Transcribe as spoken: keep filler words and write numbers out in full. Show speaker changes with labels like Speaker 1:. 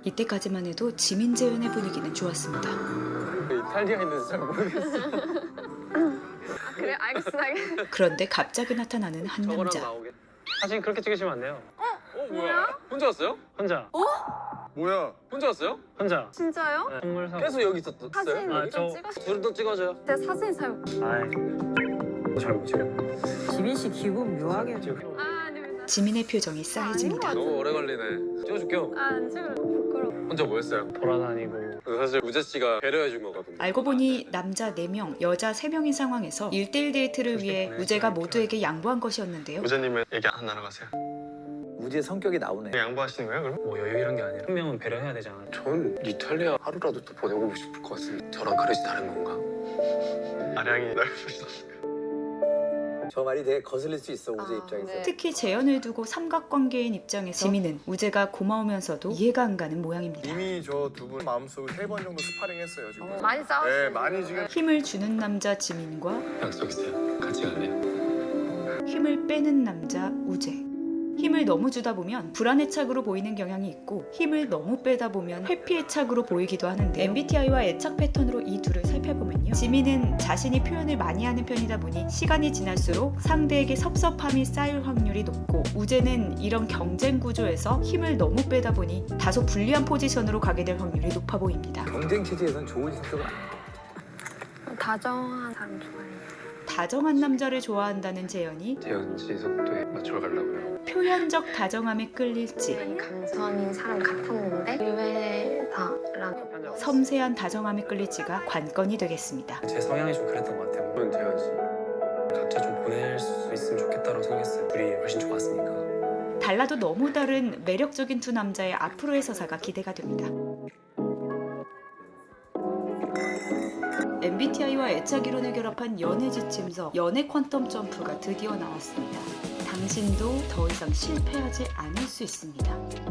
Speaker 1: 이때까지만 해도 지민 재현의 분위기는 좋았습니다.
Speaker 2: 이탈리아 있는지 잘 모르겠어.
Speaker 3: 아, 그래? 알겠어, 알겠어.
Speaker 1: 그런데 갑자기 나타나는 한
Speaker 2: 저거랑
Speaker 1: 남자.
Speaker 2: 나오게.
Speaker 4: 사진 그렇게 찍으시면 안 돼요.
Speaker 2: 어 뭐야? 혼자 왔어요?
Speaker 4: 혼자.
Speaker 2: 뭐야? 혼자 왔어요?
Speaker 4: 혼자.
Speaker 3: 진짜요?
Speaker 4: 네, 선물 사고.
Speaker 2: 계속 여기 있었어요?
Speaker 3: 사진
Speaker 4: 아,
Speaker 3: 좀
Speaker 4: 저-
Speaker 3: 찍으시...
Speaker 2: 둘도 찍어줘요.
Speaker 3: 제 사진 잘...
Speaker 4: 아이. 잘못 찍어.
Speaker 5: 지민 씨 기분 묘하게.
Speaker 3: 아, 아닙니다.
Speaker 1: 지민의 표정이 싸해집니다.
Speaker 2: 너무 오래 걸리네. 찍어줄게요.
Speaker 3: 아, 안 찍을래. 부끄러워.
Speaker 2: 혼자 뭐 했어요?
Speaker 4: 돌아다니고.
Speaker 2: 사실 우재 씨가 배려해 준 거거든요.
Speaker 1: 알고 보니 남자 네 명, 여자 세 명인 상황에서 일대일 데이트를 위해 우재가 모두에게 양보한 것이었는데요.
Speaker 6: 우재님은 얘기 안 나눠가세요.
Speaker 7: 우지의 성격이 나오네.
Speaker 6: 양보하시는 거예요, 그럼?
Speaker 4: 뭐 여유 이런 게 아니라 한 명은 배려해야 되잖아.
Speaker 2: 전 이탈리아 하루라도 더 보내고 싶을 것 같은데 저랑 그릇이 다른 건가?
Speaker 6: 아량이 넓으셔.
Speaker 7: 저 말이 되게 거슬릴 수 있어, 우지
Speaker 3: 아,
Speaker 7: 입장에서.
Speaker 3: 네.
Speaker 1: 특히 재현을 두고 삼각관계인 입장에서 지민은 우재가 고마우면서도 이해가 안 가는 모양입니다.
Speaker 8: 이미 저 두 분 마음속으로 세 번 정도 스파링했어요 지금.
Speaker 3: 어, 많이 싸웠어요.
Speaker 8: 네, 많이 지금.
Speaker 1: 힘을 주는 남자 지민과
Speaker 6: 약속 있어요. 같이 갈래요?
Speaker 1: 힘을 빼는 남자 우재. 힘을 너무 주다 보면 불안의 착으로 보이는 경향이 있고 힘을 너무 빼다 보면 회피의 착으로 보이기도 하는데 엠비티아이와 애착 패턴으로 이 둘을 살펴보면요. 지민은 자신이 표현을 많이 하는 편이다 보니 시간이 지날수록 상대에게 섭섭함이 쌓일 확률이 높고 우재는 이런 경쟁 구조에서 힘을 너무 빼다 보니 다소 불리한 포지션으로 가게 될 확률이 높아 보입니다.
Speaker 7: 경쟁 체제에선 좋은 성격은 아니에요.
Speaker 3: 다정한 사람 좋아해요.
Speaker 1: 다정한 남자를 좋아한다는 재현이
Speaker 2: 재현 씨 속도에 맞춰 가려고요.
Speaker 1: 표현적 다정함에 끌릴지
Speaker 3: 네, 감성인 사람 같았는데 의외다라고.
Speaker 1: 섬세한 다정함에 끌릴지가 관건이 되겠습니다.
Speaker 4: 제 성향이 좀 그랬던 것 같아요.
Speaker 2: 저는 재현 씨.
Speaker 4: 각자 좀 보낼 수 있으면 좋겠다고 생각했어요. 둘이 훨씬 좋았으니까.
Speaker 1: 달라도 너무 다른 매력적인 두 남자의 앞으로의 서사가 기대가 됩니다. 엠비티아이와 애착 이론을 결합한 연애 지침서 연애 퀀텀 점프가 드디어 나왔습니다. 당신도 더 이상 실패하지 않을 수 있습니다.